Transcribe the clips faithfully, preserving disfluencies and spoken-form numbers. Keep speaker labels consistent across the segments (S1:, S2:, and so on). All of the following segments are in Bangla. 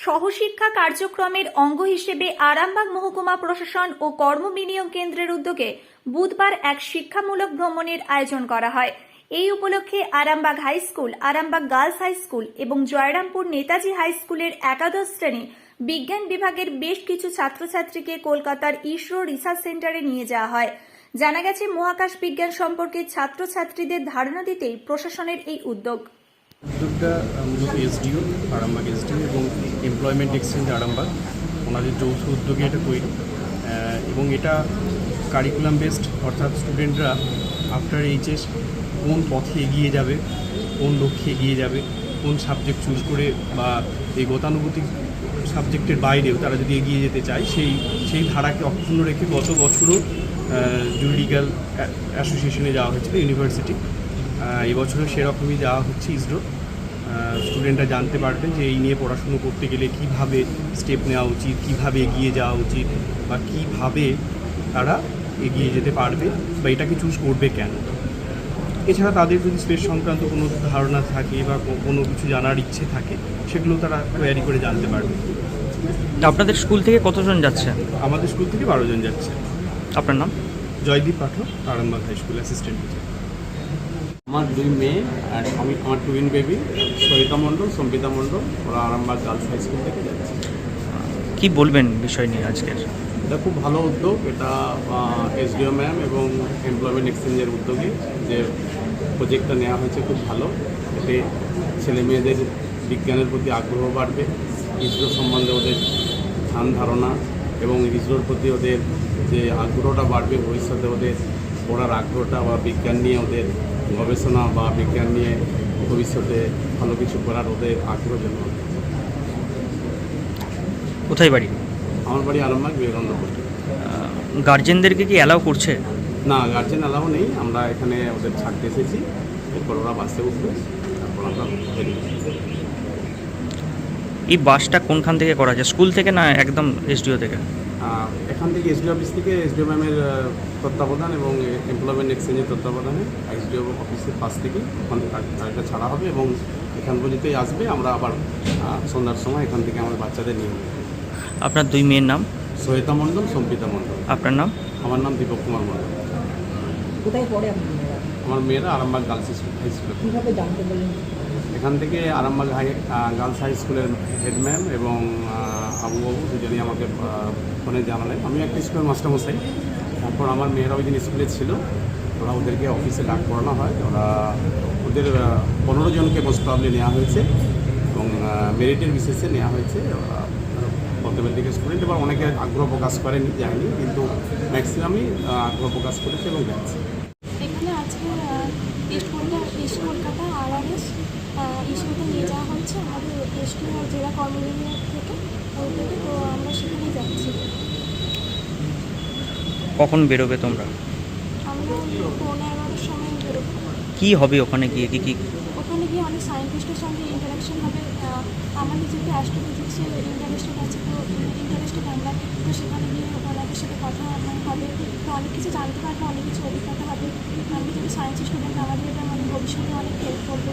S1: সহশিক্ষা কার্যক্রমের অঙ্গ হিসেবে আরামবাগ মহকুমা প্রশাসন ও কর্ম বিনিয়োগ কেন্দ্রের উদ্যোগে বুধবার এক শিক্ষামূলক ভ্রমণের আয়োজন করা হয়। এই উপলক্ষে Arambagh high school, Arambagh girls high school এবং জয়রামপুর নেতাজি হাই স্কুলের একাদশ শ্রেণী বিজ্ঞান বিভাগের বেশ কিছু ছাত্রছাত্রীকে কলকাতার ইসরো রিসার্চ সেন্টারে নিয়ে যাওয়া হয়। জানা গেছে, মহাকাশ বিজ্ঞান সম্পর্কে ছাত্রছাত্রীদের ধারণা দিতেই প্রশাসনের এই উদ্যোগ।
S2: উদ্যোগটা মূলত এসডিও আরামবাগ এসডিও এবং এমপ্লয়মেন্ট এক্সচেঞ্জ আরামবাগ ওনাদের যৌথ উদ্যোগে এটা তৈরি এবং এটা কারিকুলাম বেসড, অর্থাৎ স্টুডেন্টরা আফটার এইচএস কোন পথে এগিয়ে যাবে, কোন লক্ষ্যে এগিয়ে যাবে, কোন সাবজেক্ট চুজ করে বা এই গতানুগতিক সাবজেক্টের বাইরেও তারা যদি এগিয়ে যেতে চায় সেই সেই ধারাকে অক্ষুণ্ণ রেখে গত বছরও জুরিডিক্যাল অ্যাসোসিয়েশনে যাওয়া হয়েছিল ইউনিভার্সিটি। এবছরও সেরকমই যাওয়া হচ্ছে ইসরো। স্টুডেন্টরা জানতে পারবে যে এই নিয়ে পড়াশুনো করতে গেলে কীভাবে স্টেপ নেওয়া উচিত, কীভাবে এগিয়ে যাওয়া উচিত বা কীভাবে তারা এগিয়ে যেতে পারবে বা এটাকে চুজ করবে কেন। এছাড়া তাদের যদি স্পেস সংক্রান্ত কোনো ধারণা থাকে বা কোনো কিছু জানার ইচ্ছে থাকে সেগুলো তারা তৈরি করে জানতে পারবে।
S3: আপনাদের স্কুল থেকে কতজন যাচ্ছে?
S2: আমাদের স্কুল থেকে বারো জন যাচ্ছে।
S3: আপনার নাম?
S2: Joydeep Pathak, Arambagh high school assistant teacher.
S4: আমার দুই মেয়ে আর আমি, আমার টুইন বেবি সরিতা মণ্ডল, সম্পিতা মণ্ডল, ওরা আরামবাগ গার্লস হাই স্কুল থেকে যাচ্ছে।
S3: কি বলবেন বিষয় নিয়ে আজকের?
S4: এটা খুব ভালো উদ্যোগ। এটা এসডিও ম্যাম এবং এমপ্লয়মেন্ট এক্সচেঞ্জের উদ্যোগে যে প্রজেক্টটা নেওয়া হয়েছে খুব ভালো। এতে ছেলে মেয়েদের বিজ্ঞানের প্রতি আগ্রহ বাড়বে, ইসরো সম্বন্ধে ওদের ধ্যান ধারণা এবং ইসরোর প্রতি ওদের যে আগ্রহটা বাড়বে, ভবিষ্যতে ওদের পড়ার আগ্রহটা বা বিজ্ঞান নিয়ে ওদের গবেষণা বা বিজ্ঞান নিয়ে ভবিষ্যতে ভালো কিছু করার ওদের আগ্রহ জন্য।
S3: কোথায় বাড়ি?
S4: আমার বাড়ি আরামবাগ বিবেকানন্দপুর।
S3: গার্জেনদেরকে কি অ্যালাউ করছে?
S4: না, গার্জেন অ্যালাউ নেই। আমরা এখানে ওদের ছাড়তে এসেছি, এরপর ওরা বাসে উঠবে, তারপর আমরা বেরিয়ে যাবো।
S3: এই বাসটা কোনখান থেকে করা যায়, স্কুল থেকে না একদম এসডিও থেকে?
S4: এখান থেকে এসডিও অফিস থেকে, এসডিও ম্যামের তত্ত্বাবধান এবং এমপ্লয়মেন্ট এক্সচেঞ্জের তত্ত্বাবধানে এসডিও অফিসের পাশ থেকে ওখান থেকে গাড়িটা ছাড়া হবে এবং এখান পর্যন্তই আসবে। আমরা আবার সন্ধ্যার সময় এখান থেকে আমাদের বাচ্চাদের নিয়ে নেব।
S3: আপনার দুই মেয়ের নাম?
S4: সহিতা মণ্ডল, সম্পিতা মণ্ডল।
S3: আপনার নাম?
S4: আমার নাম দীপক কুমার মণ্ডল।
S5: কোথায় পড়ে আপনার মেয়েরা?
S4: আমার মেয়েরা আরামবাগ গার্লস স্কুল হাই স্কুলে।
S5: কীভাবে জানতে পারলেন?
S4: এখান থেকে আরামবাগ হাই গার্লস হাই স্কুলের হেড ম্যাম এবং আবু বাবু দুজনেই আমাকে ফোনে জানালেন। আমি একটা স্কুলের মাস্টারমশাই। তারপর আমার মেয়েরা ওই দিন স্কুলে ছিল, ওরা ওদেরকে অফিসে ডাক করানো হয়। ওরা ওদের পনেরো জনকে মোস্ট প্রবলি নেওয়া হয়েছে এবং মেরিটের বিশেষে নেওয়া হয়েছে। প্রথমের দিকে স্টুডেন্ট এবার অনেকে আগ্রহ প্রকাশ করেনি, যায়নি, কিন্তু ম্যাক্সিমামই আগ্রহ প্রকাশ করেছে এবং যাচ্ছে।
S6: এখানে আজকে east Kolkata east Kolkata RRS ইস্যুতে নিয়ে যাওয়া হচ্ছে আমাদের এসটি জেলা কর্মবিনিয়োগ থেকে ওই থেকে, তো আমরা সেখানেই যাচ্ছি।
S3: কখন বেরোবে তোমরা?
S6: আমরা পৌনে এগারোটার সময় বেরোবো।
S3: কি হবে ওখানে গিয়ে? কি কি
S6: ওখানে গিয়ে অনেক সায়েন্টিস্টের সঙ্গে ইন্টারাকশন হবে। আমার যেহেতু অ্যাস্ট্রোফিজিক্সের ইন্টারেস্টেড আছে, তো ইন্টারেস্টেড আমরা, তো সেখানে গিয়ে ওনাদের সাথে কথা হবে, তো অনেক কিছু জানতে পারবো, অনেক কিছু অভিজ্ঞতা হবে। আমি যদি সায়েন্স স্টুডেন্ট, আমাদের এটা মানে ভবিষ্যতে অনেক হেল্প করবে।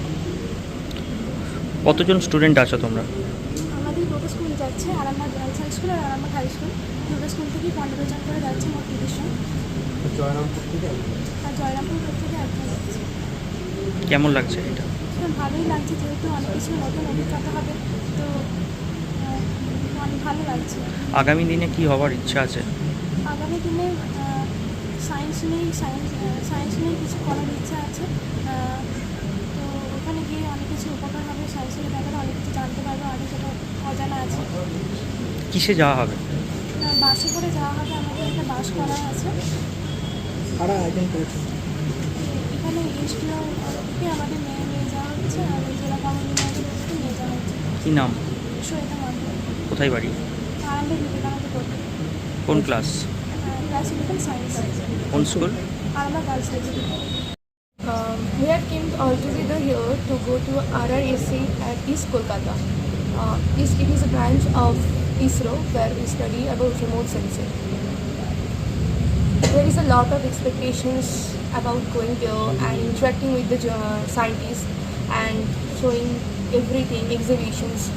S3: কতজন স্টুডেন্ট আছো তোমরা?
S6: আমাদের দুটো স্কুল যাচ্ছে, আরামবাগ গার্লস হাই স্কুল আর আরামবাগ হাই স্কুল। দুটো স্কুল থেকেই পনেরো জন করে যাচ্ছে, মোট তিরিশ জন।
S4: জয়রামপুর থেকে
S6: আর জয়রামপুর থেকে একজন যাচ্ছে।
S3: কেমন লাগছে এটা?
S6: ভালোই লাগছে, যেহেতু অনেক কিছু নতুন অভিজ্ঞতা হবে, তো অনেক ভালো লাগছে।
S3: আগামী দিনে কি হওয়ার ইচ্ছা আছে?
S6: আগামী দিনে সায়েন্স নিয়েই সায়েন্স সায়েন্স নিয়েই কিছু করার ইচ্ছা আছে। তো ওখানে গিয়ে অনেক কিছু উপকার হবে, সায়েন্সের ব্যাপারে অনেক কিছু জানতে পারবো, অনেক যেটা অজানা আছে।
S3: কিসে যাওয়া হবে?
S6: বাসে করে যাওয়া হবে, আমাদের একটা বাস করা আছে।
S5: কারা আয়োজন করেছে?
S6: এখানে এসটিও থেকে আমাদের নিয়ে নিয়ে যাওয়া হচ্ছে আর জেলা কর্মবিনিয়োগের থেকে নিয়ে যাওয়া হচ্ছে।
S3: কি নাম?
S6: সহিতা মণ্ডল।
S3: কোথায় বাড়ি?
S6: আরামবাগ বিবেকানন্দ পড়তে।
S3: কোন ক্লাস?
S6: Class eleven science.
S3: কোন school?
S6: Arambagh girls high school.
S7: Um, we have came all together here to go to R R A C at East Kolkata. Uh, is, it is a branch of ISRO where we study about remote sensing. There is a lot of expectations about going there and interacting with the uh, scientists and showing everything, exhibitions.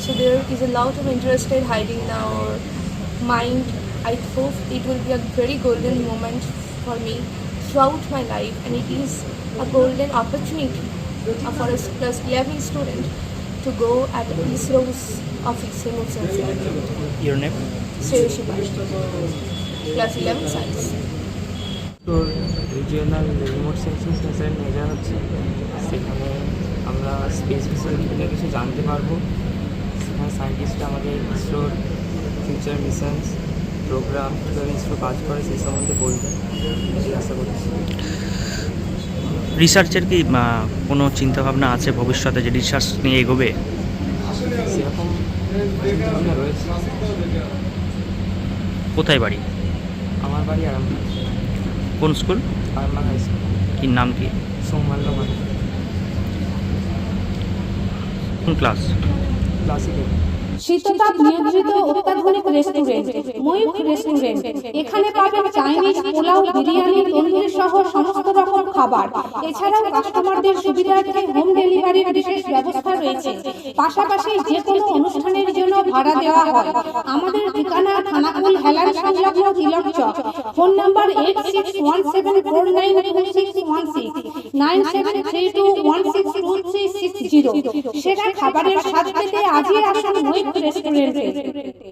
S7: So there is a lot of interest hiding in our mind. I hope it will be a very golden moment for me throughout my life, and it is a golden opportunity uh, for a plus eleven student to go at ISRO's office, remote sensing.
S3: Your name?
S7: Sreyashi plus eleven science.
S8: তো রিজিওনাল রিমোট সেন্সিং সেন্সারের মেজর হচ্ছে, সেখানে আমরা স্পেস বিষয়ে বিভিন্ন কিছু জানতে পারবো। সেখানে সায়েন্টিস্টরা আমাদের ইসরোর ফিউচার মিশনস প্রোগ্রাম কীভাবে ইসরো কাজ করে সেই সম্বন্ধে বলবে, এই আশা করছি।
S3: রিসার্চের কি আহ, কোনো চিন্তাভাবনা আছে ভবিষ্যতে যে রিসার্চ নিয়ে এগোবে?
S8: সেরকম চিন্তাভাবনা রয়েছে।
S3: কোথায় বাড়ি?
S8: আমার বাড়ি আরামবাগ,
S3: কোন স্কুল?
S8: Arambagh high school.
S3: কি নাম কি?
S8: সৌমাল্য মানে
S3: কোন ক্লাস?
S8: ক্লাসিক্যাল।
S9: শীততাপ নিয়ন্ত্রিত অত্যাধুনিক রেস্টুরেন্ট ময়ূখ রেস্টুরেন্ট। এখানে পাবেন চাইনিজ, পোলাও, বিরিয়ানি, তন্দুরি সহ সমস্ত রকম খাবার। এছাড়াও কাস্টমারদের সুবিধার্থে হোম ডেলিভারির বিশেষ ব্যবস্থা রয়েছে। পাশাপাশি যে কোনো অনুষ্ঠানের জন্য ভাড়া দেওয়া হয়। আমাদের ঠিকানা থানাকুল হেলান সংলগ্ন Tilak Chak. Phone number eight six one seven four nine two six one six nine seven three two one six two three six zero. সেরা খাবারের স্বাদ পেতে আজই আসুন ময়ূখ রেস্টুরেন্টে।